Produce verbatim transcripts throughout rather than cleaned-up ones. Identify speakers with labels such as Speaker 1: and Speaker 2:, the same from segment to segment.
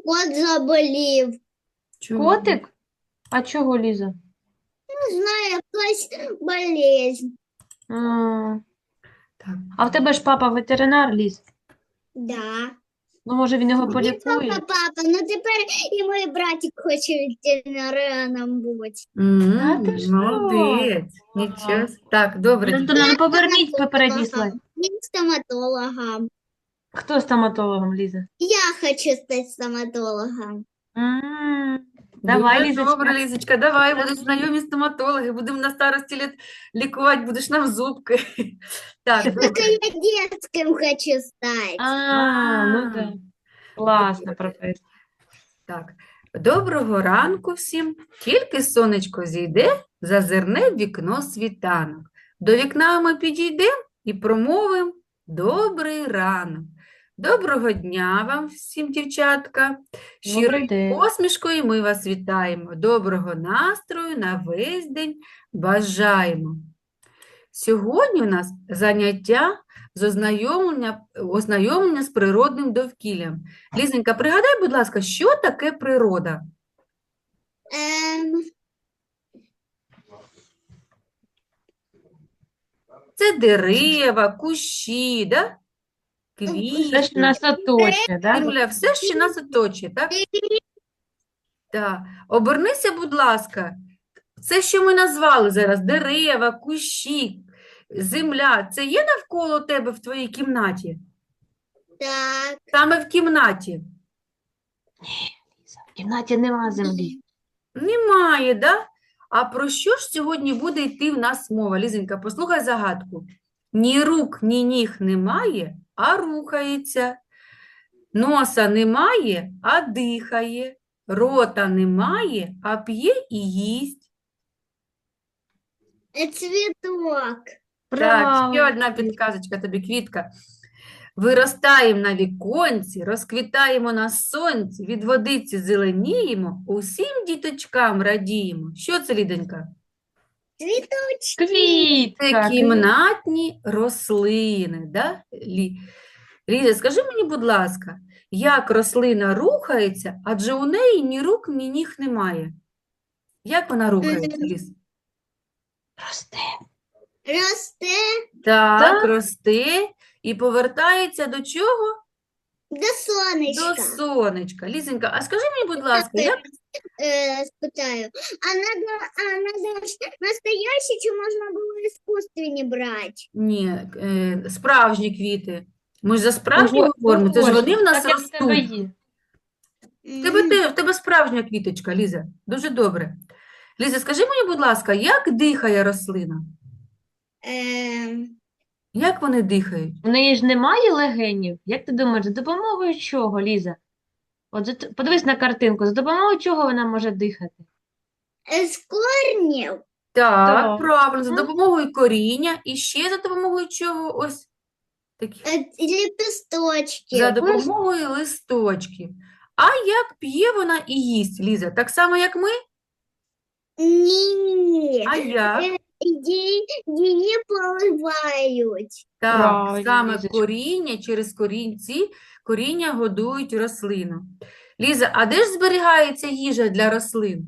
Speaker 1: кот заболів.
Speaker 2: Чого?
Speaker 3: Котик? А чого, Ліза?
Speaker 1: Не знаю, якась болезнь.
Speaker 3: А,
Speaker 2: Так.
Speaker 3: а в тебе ж папа ветеринар, Ліз.
Speaker 1: Да.
Speaker 3: Ну, може, він його
Speaker 1: Не
Speaker 3: полікує?
Speaker 1: папа, папа, ну тепер і мій братик хоче ветеринарином бути.
Speaker 2: М,
Speaker 3: Та ти що?
Speaker 2: молодець. Нічого. с- Так, добре. дітки.
Speaker 3: Антона, ну поверніть попередній слайд.
Speaker 1: Він стоматологом.
Speaker 3: Хто стоматологом, Ліза?
Speaker 1: Я хочу стати стоматологом.
Speaker 3: М, Давай,
Speaker 2: Дуже
Speaker 3: Лізочка.
Speaker 2: добре, Лізочка, давай, будуть знайомі стоматологи, будемо на старості літ лікувати, будеш нам зубки. Так,
Speaker 1: Так
Speaker 2: добре.
Speaker 1: я детским хочу стати.
Speaker 3: А, ну
Speaker 2: А,
Speaker 3: да. Класна професія.
Speaker 2: Так, доброго ранку всім. Тільки сонечко зійде, зазирне в вікно світанок. До вікна ми підійдемо і промовимо добрий ранок. Доброго дня вам всім, дівчатка.
Speaker 3: Добрий
Speaker 2: Щирою
Speaker 3: день.
Speaker 2: посмішкою ми вас вітаємо. Доброго настрою на весь день бажаємо. Сьогодні у нас заняття з ознайомлення, ознайомлення з природним довкіллям. Лізенька, пригадай, будь ласка, що таке природа?
Speaker 1: Ем,
Speaker 2: Це дерева, кущі, да?
Speaker 3: Все, що
Speaker 2: Квіти,
Speaker 3: нас оточує, да?
Speaker 2: земля, все, що нас оточує, так? Так. Обернися, будь ласка. Це, що ми назвали зараз, дерева, кущі, земля, це є навколо тебе в твоїй кімнаті?
Speaker 1: так.
Speaker 2: Саме в кімнаті?
Speaker 3: В кімнаті нема землі.
Speaker 2: Немає, да? А про що ж сьогодні буде йти в нас мова? Лізенька, послухай загадку. Ні рук, ні ніг немає, а рухається. Носа немає, а дихає. Рота немає, а п'є і їсть.
Speaker 1: Е, Цвіток.
Speaker 2: Так, ще
Speaker 3: Правильно.
Speaker 2: одна підказочка тобі, Квітка. Виростаємо на віконці, розквітаємо на сонці, від водиці зеленіємо, усім діточкам радіємо. Що це, Ліденька?
Speaker 1: Цвіточки.
Speaker 3: Квітка.
Speaker 2: Це
Speaker 3: квітка.
Speaker 2: кімнатні рослини, да? Лі... Ліза, скажи мені, будь ласка, як рослина рухається, адже у неї ні рук, ні ніг немає. Як вона рухається, Ліз?
Speaker 3: Росте.
Speaker 1: Росте
Speaker 2: Так,
Speaker 3: Так.
Speaker 2: росте і повертається до чого?
Speaker 1: до
Speaker 2: До
Speaker 1: сонечка.
Speaker 2: сонечка. Лізенька, а скажи мені, будь ласка, як
Speaker 1: Е, спитаю. А надо, а надо ж настоящий, чи можна було іскусственні брати?
Speaker 2: ні, е, справжні квіти? Ми ж за справжні
Speaker 3: Ого-
Speaker 2: говоримо, це ж вони в нас
Speaker 3: Так, як в тебе
Speaker 2: ростуть.
Speaker 3: є.
Speaker 2: В тебе, те- в тебе справжня квіточка, Ліза. Дуже добре. Ліза, скажи мені, будь ласка, як дихає рослина?
Speaker 1: Ем,
Speaker 2: Як вони дихають?
Speaker 3: У неї ж немає легенів. Як ти думаєш, за допомогою чого, Ліза? От за т- подивись на картинку, за допомогою чого вона може дихати?
Speaker 1: е, з корнів.
Speaker 2: Так,
Speaker 3: Так.
Speaker 2: правильно, за
Speaker 3: Мгм.
Speaker 2: допомогою коріння і ще за допомогою чого? Ось такі.
Speaker 1: Е, ліпісточки.
Speaker 2: За допомогою листочків. А як п'є вона і їсть, Ліза? Так само, як ми?
Speaker 1: Ні.
Speaker 2: А як?
Speaker 1: Е, Її, її поливають.
Speaker 2: Так,
Speaker 3: Правильно,
Speaker 2: саме
Speaker 3: Лізочка.
Speaker 2: коріння, через корінці, коріння годують рослину. Ліза, а де ж зберігається їжа для рослин?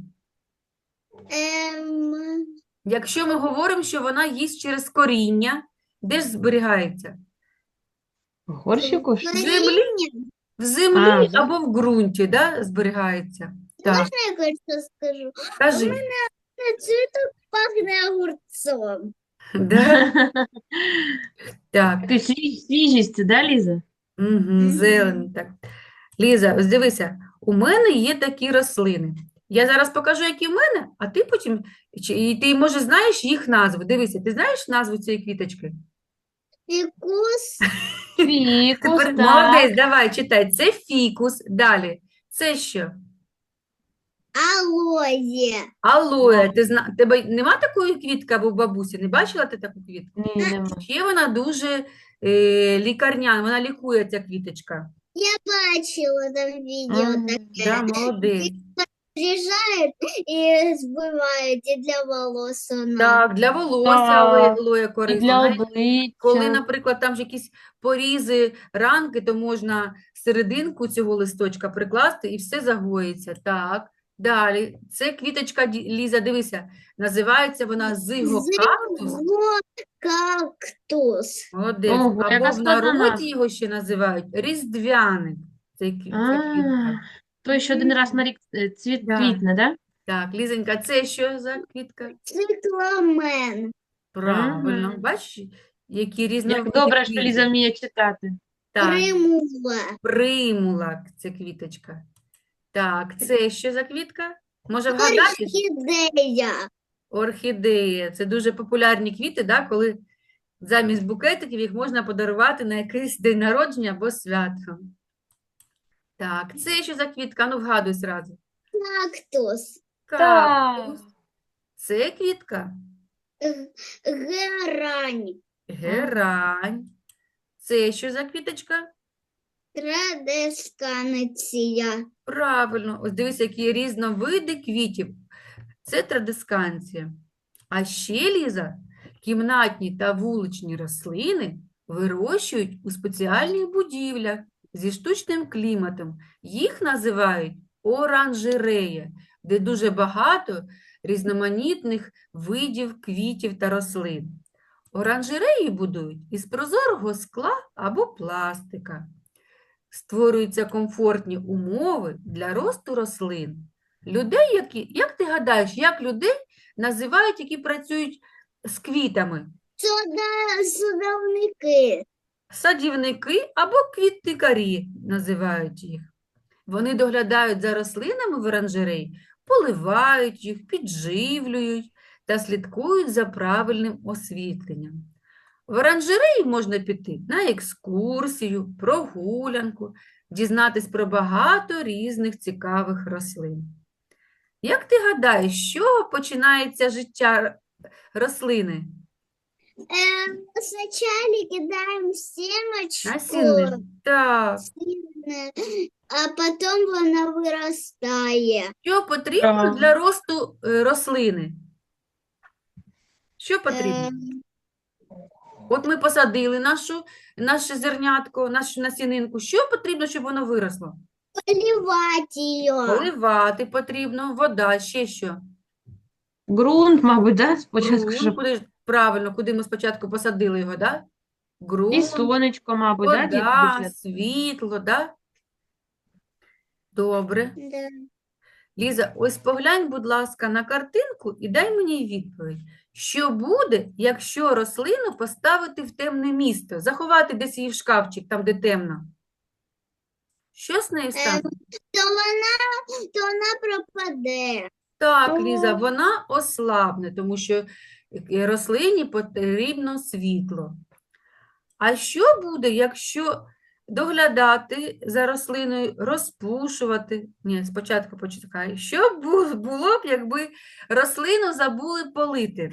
Speaker 1: Ем,
Speaker 2: Якщо ми говоримо, що вона їсть через коріння, де ж зберігається?
Speaker 3: В горщику ж?
Speaker 2: В землі, в землі
Speaker 3: А, в
Speaker 2: або в ґрунті, да, зберігається. Так,
Speaker 1: можна я кое-що скажу?
Speaker 2: кажи.
Speaker 1: Е, Цвіток пахне огурцом.
Speaker 2: Да? Так,
Speaker 3: Ти свіж- свіжість, да, Ліза?
Speaker 2: угу, зелень, так. Ліза, ось дивися, у мене є такі рослини. Я зараз покажу, які в мене, а ти потім, чи- і ти, може, знаєш їх назву. Дивися, ти знаєш назву цієї квіточки?
Speaker 1: Фікус.
Speaker 3: Фікус,
Speaker 2: Тепер
Speaker 3: так.
Speaker 2: молодець, давай, читай. Це фікус. Далі. Це що?
Speaker 1: Алоє.
Speaker 2: Алоє. Ти зна... Тебе нема такої квітки або в бабусі? Не бачила ти таку квітку?
Speaker 3: Ні, нема.
Speaker 2: Ще вона дуже е, лікарняна, вона лікує, ця квіточка.
Speaker 1: Я бачила там відео
Speaker 3: Ага,
Speaker 1: таке.
Speaker 2: Да, молодець.
Speaker 1: приезжают и сбывают и для волос она.
Speaker 2: Так, для волосся алоє,
Speaker 3: Так,
Speaker 2: алоє
Speaker 3: і
Speaker 2: корисно.
Speaker 3: для
Speaker 2: Навіть коли,
Speaker 3: обличчя.
Speaker 2: наприклад, там ж якісь порізи, ранки, то можна серединку цього листочка прикласти і все загоїться. Так, далі. Це квіточка, Ді- Ліза, дивися, називається вона зигокактус.
Speaker 1: Кактус.
Speaker 2: Молодець.
Speaker 3: Ого,
Speaker 2: Або
Speaker 3: яка
Speaker 2: в
Speaker 3: складна
Speaker 2: народі
Speaker 3: назва.
Speaker 2: його ще називають різдвяник. Це, кві- це
Speaker 3: А,
Speaker 2: квітка.
Speaker 3: той, що один раз на рік е, цвіт
Speaker 2: Да.
Speaker 3: квітне, да?
Speaker 2: Так, Лізонька, це що за квітка?
Speaker 1: Цикламен.
Speaker 2: Правильно.
Speaker 3: Мгм.
Speaker 2: Бачиш, які
Speaker 3: Як
Speaker 2: різновиди
Speaker 3: добре, що
Speaker 2: квітів.
Speaker 3: Ліза вміє читати.
Speaker 2: Так,
Speaker 1: Примула.
Speaker 2: примула – це квіточка. Так, це що за квітка? Може вгадаєш?
Speaker 1: Орхидея.
Speaker 2: Орхідея. Це дуже популярні квіти, да, коли замість букетиків їх можна подарувати на якийсь день народження або свято. Так, це що за квітка? Ну, вгадуй зразу.
Speaker 1: Кактус.
Speaker 2: Кактус. Це квітка.
Speaker 1: Г- Герань.
Speaker 2: Герань. Це що за квіточка?
Speaker 1: Традесканеція.
Speaker 2: Правильно. Ось дивись, які різновиди квітів. Це традисканція. А ще, Ліза, кімнатні та вуличні рослини вирощують у спеціальних будівлях зі штучним кліматом. Їх називають оранжерея, де дуже багато різноманітних видів квітів та рослин. Оранжереї будують із прозорого скла або пластика. Створюються комфортні умови для росту рослин. Людей, які, як ти гадаєш, як людей називають, які працюють з квітами?
Speaker 1: Сода, судовники.
Speaker 2: Садівники або квітникарі називають їх. Вони доглядають за рослинами в оранжереї, поливають їх, підживлюють та слідкують за правильним освітленням. В оранжереї можна піти на екскурсію, прогулянку, дізнатись про багато різних цікавих рослин. Як ти гадаєш, з чого починається життя рослини?
Speaker 1: Эм, Сначала кидаем семечку,
Speaker 2: Насінне. Так.
Speaker 1: сильно, а потом вона виростає.
Speaker 2: Що потрібно
Speaker 3: Так.
Speaker 2: для росту е, рослини? Що потрібно?
Speaker 1: Ем,
Speaker 2: От ми посадили нашу, наше зернятко, нашу насінинку. Що потрібно, щоб воно виросло?
Speaker 1: Поливати її.
Speaker 2: Поливати потрібно, вода, ще що?
Speaker 3: Ґрунт, мабуть, да? Спочатку,
Speaker 2: Ґрунт,
Speaker 3: щоб...
Speaker 2: куди ж, правильно, куди ми спочатку посадили його, да?
Speaker 3: І
Speaker 2: Ґрунт,
Speaker 3: сонечко, мабуть, да, діти,
Speaker 2: вода,
Speaker 3: дуже?
Speaker 2: світло, да? Добре.
Speaker 1: Да.
Speaker 2: Ліза, ось поглянь, будь ласка, на картинку і дай мені відповідь. Що буде, якщо рослину поставити в темне місце, заховати десь її в шкафчик, там, де темно? Що з нею стане?
Speaker 1: То вона, то вона пропаде.
Speaker 2: Так, Ліза,
Speaker 3: То-
Speaker 2: вона ослабне, тому що е, рослині потрібно світло. А що буде, якщо доглядати за рослиною, розпушувати? Ні, спочатку почекай. Що б бу- було б, якби рослину забули полити?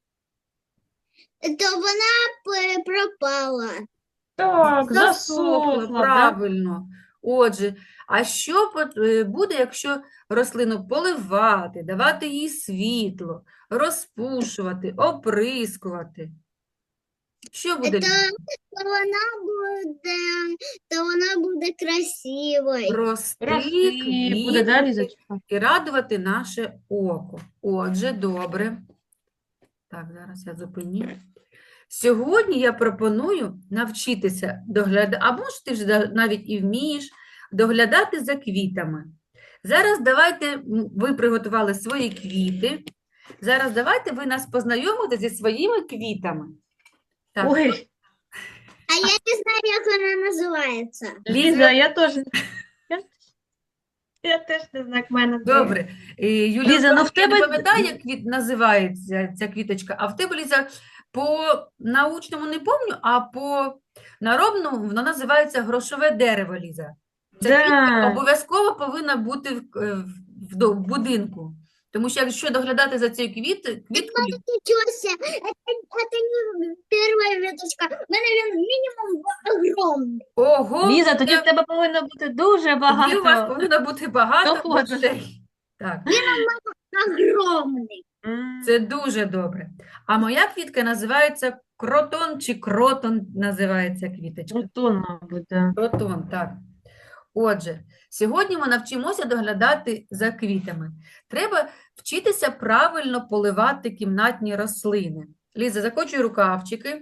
Speaker 1: То вона п- пропала.
Speaker 3: Так,
Speaker 2: Засохла,
Speaker 3: засохла, да?
Speaker 2: правильно. Отже, а що пот- е, буде, якщо рослину поливати, давати їй світло, розпушувати, оприскувати? Що буде?
Speaker 1: То, то вона буде, то вона буде красивою.
Speaker 2: Рости,
Speaker 3: Рости буде, да,
Speaker 2: квітнути
Speaker 3: Лізочка?
Speaker 2: і радувати наше око. Отже, добре. Так, зараз я зупиню. Сьогодні я пропоную навчитися доглядати, або ж ти вже да- навіть і вмієш доглядати за квітами. Зараз давайте, м, ви приготували свої квіти. Зараз давайте ви нас познайомите зі своїми квітами. Так,
Speaker 3: Ой,
Speaker 1: А я не знаю, як вона називається.
Speaker 3: Ліза, я теж... Я, я теж не знаю, як в мене.
Speaker 2: добре. Е, Юлія,
Speaker 3: Ліза, ну в
Speaker 2: я не
Speaker 3: тебе-
Speaker 2: пам'ятаю, як квіт називається ця квіточка, а в тебе, Ліза, по научному не пам'ятаю, а по народному воно називається грошове дерево, Ліза. Ця квітка
Speaker 3: Да.
Speaker 2: обов'язково повинна бути в, е, в, до- в будинку. Тому що якщо доглядати за цією квіт, квіткою,
Speaker 1: Ничего себе, это, это не первая веточка. У мене він мінімум огромний.
Speaker 2: ого,
Speaker 3: Ліза, тоді
Speaker 2: це-
Speaker 3: в тебе повинно бути дуже
Speaker 2: тоді у вас
Speaker 3: багато.
Speaker 2: повинно бути багато
Speaker 3: доходу.
Speaker 2: грошей. Так,
Speaker 1: Огромный.
Speaker 3: М,
Speaker 2: це дуже добре. А моя квітка називається кротон чи кротон називається квіточка.
Speaker 3: Крутон, мабуть, да.
Speaker 2: Кротон, так. Отже, сьогодні ми навчимося доглядати за квітами. Треба вчитися правильно поливати кімнатні рослини. Ліза, закочуй рукавчики.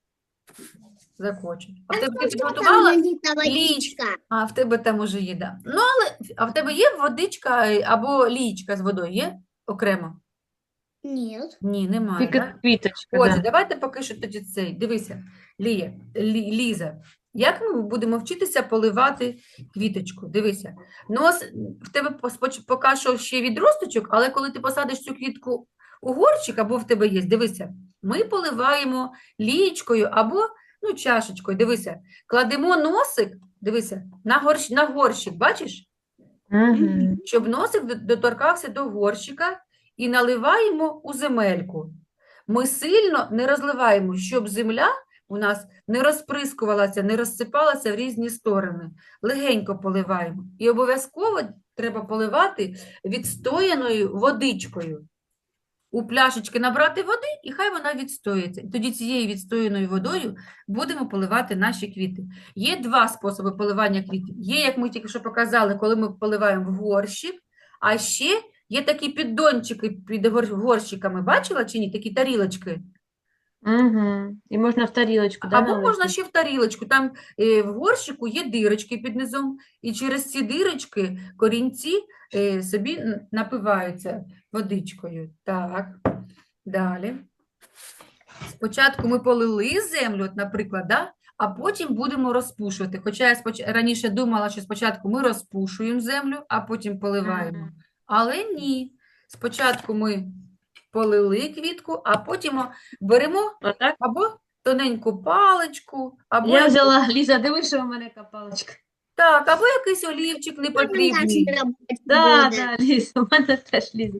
Speaker 2: Закочуй. А в тебе ти
Speaker 1: Что там
Speaker 2: підготувала?
Speaker 1: налита водичка?
Speaker 2: А в тебе там уже є, да. Ну, але а в тебе є водичка е, або лієчка з водою? Є окремо?
Speaker 1: Нет.
Speaker 2: Ні, немає,
Speaker 3: Тільки
Speaker 2: так?
Speaker 3: квіточка,
Speaker 2: Отже,
Speaker 3: да.
Speaker 2: давайте поки що тоді цей. Дивися, Лія, Лі- Ліза, як ми будемо вчитися поливати квіточку? Дивися, нос в тебе пос- поки що ще відросточок, але коли ти посадиш цю квітку у горщик, або в тебе є, дивися, ми поливаємо лієчкою або ну, чашечкою. Дивися, кладемо носик, дивися, на горщ, на горщик, бачиш?
Speaker 3: Угу.
Speaker 2: Щоб носик до- доторкався до горщика і наливаємо у земельку. Ми сильно не розливаємо, щоб земля у нас не розприскувалася, не розсипалася в різні сторони. Легенько поливаємо. І обов'язково треба поливати відстояною водичкою. У пляшечки набрати води, і хай вона відстоїться. І тоді цією відстояною водою будемо поливати наші квіти. Є два способи поливання квітів. Є, як ми тільки що показали, коли ми поливаємо в горщик, а ще є такі піддончики під гор- горщиками. Бачила чи ні? Такі тарілочки.
Speaker 3: Угу. І можна в тарілочку, да,
Speaker 2: Або можна
Speaker 3: налити?
Speaker 2: ще в тарілочку. Там е, в горщику є дирочки під низом, і через ці дирочки корінці е, собі н- напиваються водичкою. Так, далі. Спочатку ми полили землю, от, наприклад, да? А потім будемо розпушувати. Хоча я споч... раніше думала, що спочатку ми розпушуємо землю, а потім поливаємо.
Speaker 3: Мгм.
Speaker 2: Але ні. Спочатку ми полили квітку, а потім о, беремо
Speaker 3: Отак?
Speaker 2: або тоненьку паличку, або,
Speaker 3: Я
Speaker 2: як-
Speaker 3: взяла, Ліза, дивись, що в мене яка паличка.
Speaker 2: так, або якийсь олівчик непотрібний,
Speaker 3: Да, да, Ліза, у мене теж Ліза.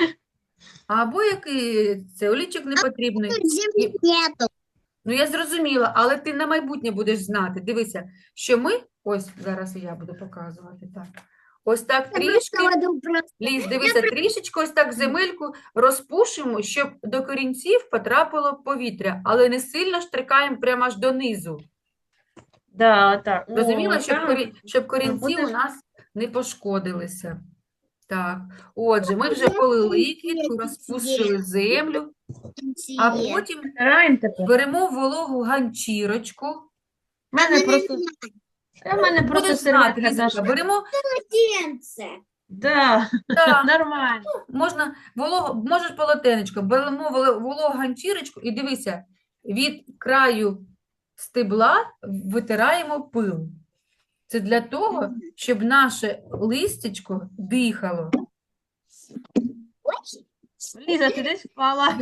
Speaker 2: або який це олівчик непотрібний.
Speaker 1: Земли нету.
Speaker 2: Ну, я зрозуміла, але ти на майбутнє будеш знати. Дивися, що ми, ось зараз і я буду показувати, так. Ось так трішки, Ліз, дивися, трішечки ось так земельку розпушимо, щоб до корінців потрапило повітря, але не сильно штрикаємо прямо аж донизу.
Speaker 3: Да, отак. О,
Speaker 2: Розуміла, щоб,
Speaker 3: так.
Speaker 2: корі... щоб корінці
Speaker 3: буде
Speaker 2: у
Speaker 3: ж-
Speaker 2: нас не пошкодилися. Так, отже, ми вже полили квітку, розпушили землю, а потім
Speaker 3: Стараємо тепер.
Speaker 2: беремо вологу ганчірочку.
Speaker 3: У мене просто, у мене просто
Speaker 2: Будеш знати,
Speaker 3: серветка
Speaker 2: Лізонька,
Speaker 3: наша.
Speaker 2: беремо,
Speaker 3: Да,
Speaker 2: так,
Speaker 3: нормально.
Speaker 2: можна волого, можеш полотенечко, беремо воло- вологу ганчірочку і дивися, від краю стебла витираємо пил. Це для того, щоб наше листячко дихало.
Speaker 3: Ліза, ти десь впала.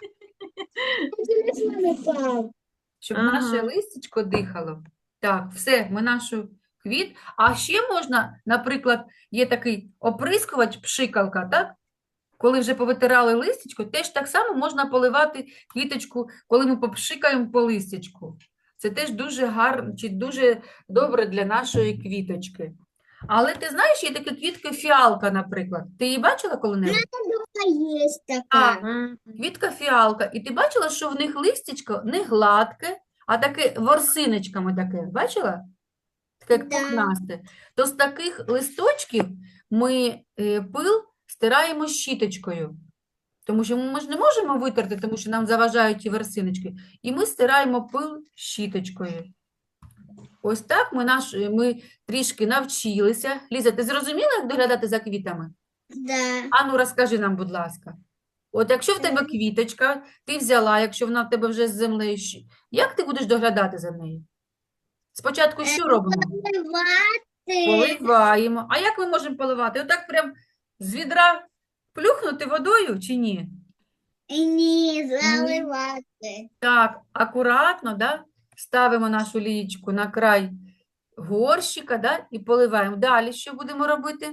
Speaker 2: Щоб
Speaker 3: Ага.
Speaker 2: наше листячко дихало. Так, все, ми нашу квіт. А ще можна, наприклад, є такий оприскувач, пшикалка, так? Коли вже повитирали листячко, теж так само можна поливати квіточку, коли ми попшикаємо по листячку. Це теж дуже гарно, чи дуже добре для нашої квіточки. Але ти знаєш, є така квітка фіалка, наприклад. Ти її бачила коли-небудь?
Speaker 1: Есть
Speaker 2: А,
Speaker 1: такая.
Speaker 3: М,
Speaker 2: квітка фіалка. І ти бачила, що в них листячко не гладке, а таке ворсиночками таке. Бачила? Таке як
Speaker 1: Да.
Speaker 2: пухнасте. То з таких листочків ми е, пил стираємо щіточкою. Тому що ми ж не можемо витерти, тому що нам заважають ті ворсиночки. І ми стираємо пил щіточкою. Ось так ми, наш, ми трішки навчилися. Ліза, ти зрозуміла, як доглядати за квітами?
Speaker 1: Да.
Speaker 2: Ану, розкажи нам, будь ласка. От якщо в тебе квіточка, ти взяла, якщо вона в тебе вже з землею, щ- як ти будеш доглядати за нею? Спочатку що робимо?
Speaker 1: Поливати.
Speaker 2: Поливаємо. А як ми можемо поливати? Отак прям з відра плюхнути водою чи ні?
Speaker 1: Ні, заливати.
Speaker 2: Так, акуратно, да? Ставимо нашу лієчку на край горщика, да? І поливаємо. Далі що будемо робити?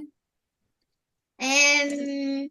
Speaker 1: Ем,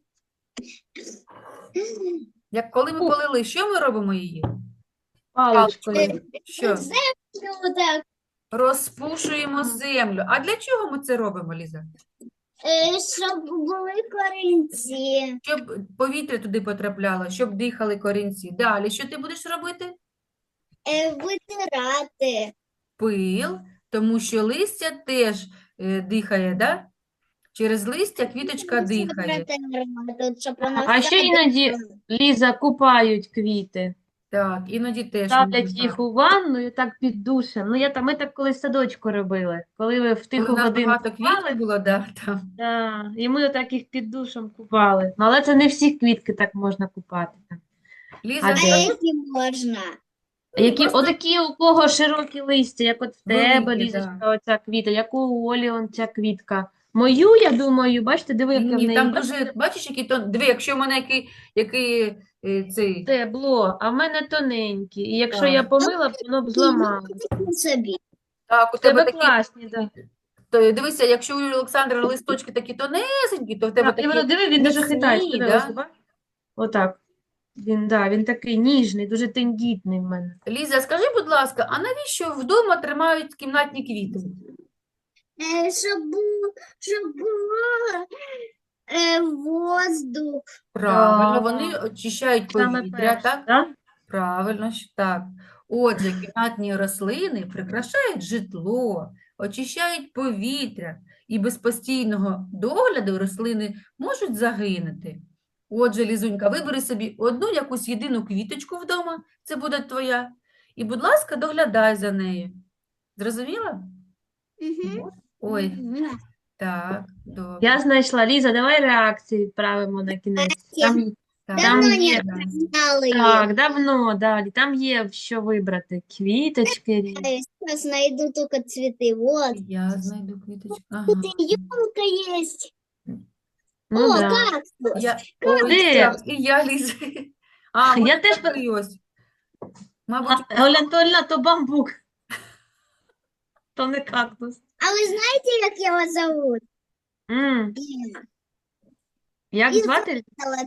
Speaker 2: Як коли ми полили, що ми робимо її?
Speaker 3: Паличкою.
Speaker 2: Що?
Speaker 1: землю так.
Speaker 2: Розпушуємо землю. А для чого ми це робимо, Ліза?
Speaker 1: Е, щоб були корінці.
Speaker 2: Щоб повітря туди потрапляло, щоб дихали корінці. Далі, що ти будеш робити?
Speaker 1: Е, витирати.
Speaker 2: Пил, тому що листя теж е, дихає, да? Через листя квіточка
Speaker 1: Все
Speaker 2: дихає.
Speaker 1: протерла тут, щоб вона
Speaker 3: А ще
Speaker 1: вся
Speaker 3: іноді,
Speaker 1: дихала.
Speaker 3: Ліза, купають квіти.
Speaker 2: Так, іноді теж
Speaker 3: Ставлять
Speaker 2: можна.
Speaker 3: їх у ванну і так під душем. Ну, я там, ми так колись в садочку робили. Коли ви в
Speaker 2: Коли
Speaker 3: тиху
Speaker 2: в нас
Speaker 3: годину
Speaker 2: багато
Speaker 3: купали,
Speaker 2: квітів було, да, там.
Speaker 3: да, і ми так їх під душем купали. Ну, але це не всі квітки так можна купати. там.
Speaker 2: Ліза,
Speaker 3: А
Speaker 1: А
Speaker 3: де?
Speaker 2: скажи,
Speaker 1: які можна?
Speaker 3: А які,
Speaker 2: просто
Speaker 3: отакі, у кого широкі листя, як от в тебе,
Speaker 2: великі,
Speaker 3: Лізочка,
Speaker 2: да.
Speaker 3: оця квіта, як у Олі он ця квітка. Мою, я думаю, бачите, диви, яке в
Speaker 2: Ні,
Speaker 3: неї
Speaker 2: там
Speaker 3: бачите,
Speaker 2: дуже, бачиш, які то, диви, якщо в мене який, який е, цей,
Speaker 3: стебло, а в мене тоненькі. І якщо я
Speaker 2: так,
Speaker 3: помила, б, воно б зламалося.
Speaker 1: Такі собі.
Speaker 2: так, у
Speaker 3: В
Speaker 2: тебе
Speaker 3: тебе
Speaker 2: такі,
Speaker 3: класні, да.
Speaker 2: то, дивися, якщо у Олександра листочки такі тонесенькі, то в тебе
Speaker 3: Так, і воно,
Speaker 2: такі
Speaker 3: диви, він дуже хитається.
Speaker 2: міцні,
Speaker 3: Диви, ось,
Speaker 2: да?
Speaker 3: бач? Отак. Він, да, він такий ніжний, дуже тендітний в мене.
Speaker 2: Lіза, скажи, будь ласка, а навіщо вдома тримають кімнатні квіти?
Speaker 1: Е, щоб було, щоб було е, воздух.
Speaker 2: Правильно,
Speaker 3: Так,
Speaker 2: вони очищають
Speaker 3: саме
Speaker 2: повітря,
Speaker 3: перше,
Speaker 2: так?
Speaker 3: да?
Speaker 2: Правильно, що так. Отже, кімнатні рослини прикрашають житло, очищають повітря, і без постійного догляду рослини можуть загинути. Отже, Лізунька, вибери собі одну якусь єдину квіточку вдома, це буде твоя, і, будь ласка, доглядай за нею. Зрозуміла?
Speaker 1: Угу.
Speaker 2: Ой, так, добре.
Speaker 3: Я знайшла. Ліза, давай реакцію відправимо на кінець. Там,
Speaker 2: Так,
Speaker 3: Там
Speaker 1: Давно
Speaker 3: є.
Speaker 1: не знали їх.
Speaker 3: так, давно, далі. Там є що вибрати. Квіточки різні.
Speaker 1: Сейчас знайду только цветы. Вот.
Speaker 2: я знайду квіточку. Ага.
Speaker 1: Тут и елка есть.
Speaker 3: Ну,
Speaker 1: О,
Speaker 3: да.
Speaker 1: кактус.
Speaker 2: Я, ой,
Speaker 3: Де?
Speaker 2: так, і я, Ліза. А,
Speaker 3: Я
Speaker 2: ось
Speaker 3: теж
Speaker 2: такий ось. Мабуть,
Speaker 3: А, Оля Анатольевна, то бамбук. То не кактус.
Speaker 1: А вы знаете, как его зовут?
Speaker 3: М,
Speaker 1: Лена.
Speaker 3: Як
Speaker 1: Він
Speaker 3: звати?
Speaker 1: Золотая.